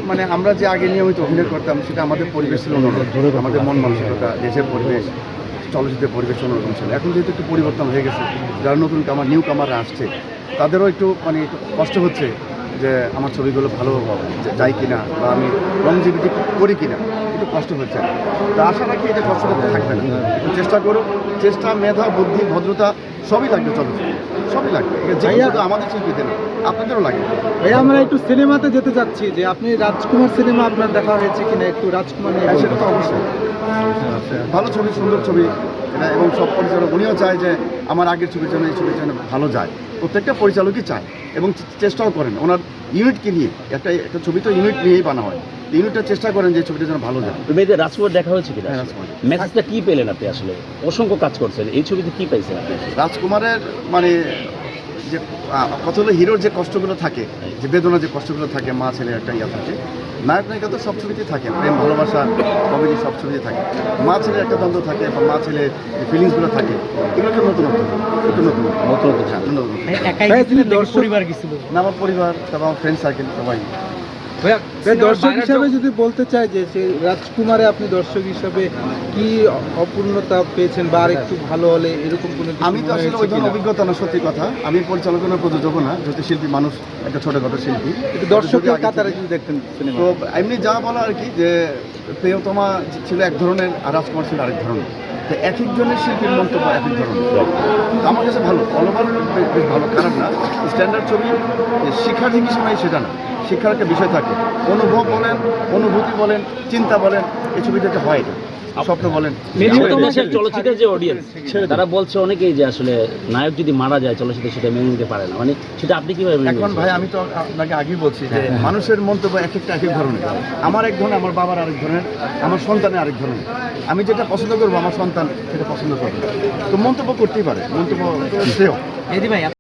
মানে আমরা যে আগে নিয়মিত অভিনয় করতাম সেটা আমাদের পরিবেশ ছিল অন্যরকম, আমাদের মন মানসিকতা, দেশের পরিবেশ, চলচ্চিত্রের পরিবেশ অন্যরকম ছিল। এখন যেহেতু একটু পরিবর্তন হয়ে গেছে, যারা নতুন নিউ কামাররা আসছে তাদেরও একটু মানে একটু কষ্ট হচ্ছে যে আমার ছবিগুলো ভালো যায় কিনা বা আমি লংজিভিটি করি কিনা, একটু কষ্ট হচ্ছে। তো আশা রাখি এটা কষ্ট করতে থাকবে না, একটু চেষ্টা করো। চেষ্টা, মেধা, বুদ্ধি, ভদ্রতা সবই লাগবে চলচ্চিত্রে, সবই লাগবে। যে শুধু আমাদের শিল্পীদের না, আপনাদেরও লাগবে। ভাইয়া আমরা একটু সিনেমাতে যেতে চাচ্ছি, যে আপনি রাজকুমার সিনেমা আপনার দেখা হয়েছে কিনা, একটু রাজকুমার নিয়ে সেটা তো অবশ্যই ভালো ছবি, সুন্দর ছবি এটা, এবং সব পরিচালক উনিও চায় যে আমার আগের ছবির জন্য এই ছবির জন্য ভালো যায়। প্রত্যেকটা পরিচালকই চায় এবং চেষ্টাও করেন ওনার ইউনিটকে নিয়ে। একটা ছবি তো ইউনিট নিয়েই বানা হয়, ইউনিটটা চেষ্টা করেন যে ছবিটা যেন ভালো যায়। মেয়েদের রাজকুমার দেখা হয়েছে কিনা? হ্যাঁ, রাজকুমার। মেসেজটা কি পেলেন আপনি? আসলে অসংখ্য কাজ করছেন, এই ছবিতে কি পাইছেন আপনি? রাজকুমারের মানে যে কথা হলো হিরোর যে কষ্টগুলো থাকে, যে বেদনা, যে কষ্টগুলো থাকে, মা ছেলের একটা ইয়া থাকে। নায়ক নায়িকা তো সব ছবিতেই থাকে, প্রেম, ভালোবাসা, কমেডি সব ছবিতে থাকে। মা ছেলের একটা দ্বন্দ্ব থাকে বা মা ছেলের যে ফিলিংসগুলো থাকে, এগুলো একটা নতুনত্ব, পরিবার গেছিল না আমার পরিবার, তারপর আমার ফ্রেন্ড সার্কেল সবাই। দর্শক হিসাবে যদি বলতে চাই যে রাজকুমারে আপনি দর্শক হিসাবে কি অপূর্ণতা পেয়েছেন বা আর একটু ভালো হলে এরকম কোনো কিছু আমি তো আসলে ওই ধরনের অভিজ্ঞতা না, সত্যি কথা। আমি পরিচালনা প্রযোজকও না, যেহেতু শিল্পী মানুষ, একটা ছোটখাটো শিল্পী। দর্শকের কাতারে যদি দেখতেন সিনেমা, তো এমনি যা বলা আর কি, যে প্রিয়তমা ছিল এক ধরনের আর রাজকুমার ছিল আরেক ধরনের। তো এক একজনের শিল্পীর মন্তব্য এক এক ধরনের। আমার কাছে ভালো, অল ওভার বেশ ভালো, খারাপ না। স্ট্যান্ডার্ড ছবি শিক্ষার যে কিছু নাই সেটা না, শিক্ষার একটা বিষয় থাকে। অনুভব বলেন, অনুভূতি বলেন, চিন্তা বলেন, এই ছবিটাতে হয় এটা। স্বপ্ন বলেন। চলচ্চিত্রের যে অডিয়েন্স তারা বলছে অনেকেই যে আসলে নায়ক যদি মারা যায় চলচ্চিত্রে সেটা মেনে নিতে পারে না, মানে সেটা আপনি কিভাবে মেনে এখন নিচ্ছেন? ভাই আমি তো আপনাকে আগেই বলছি যে মানুষের মন্তব্য এক একটা এক এক ধরনের। আমার এক ধরনের, আমার বাবার আরেক ধরনের, আমার সন্তানের আরেক ধরনের। আমি যেটা পছন্দ করবো আমার সন্তান সেটা পছন্দ করবে, তো মন্তব্য করতেই পারে, মন্তব্য শ্রেয়।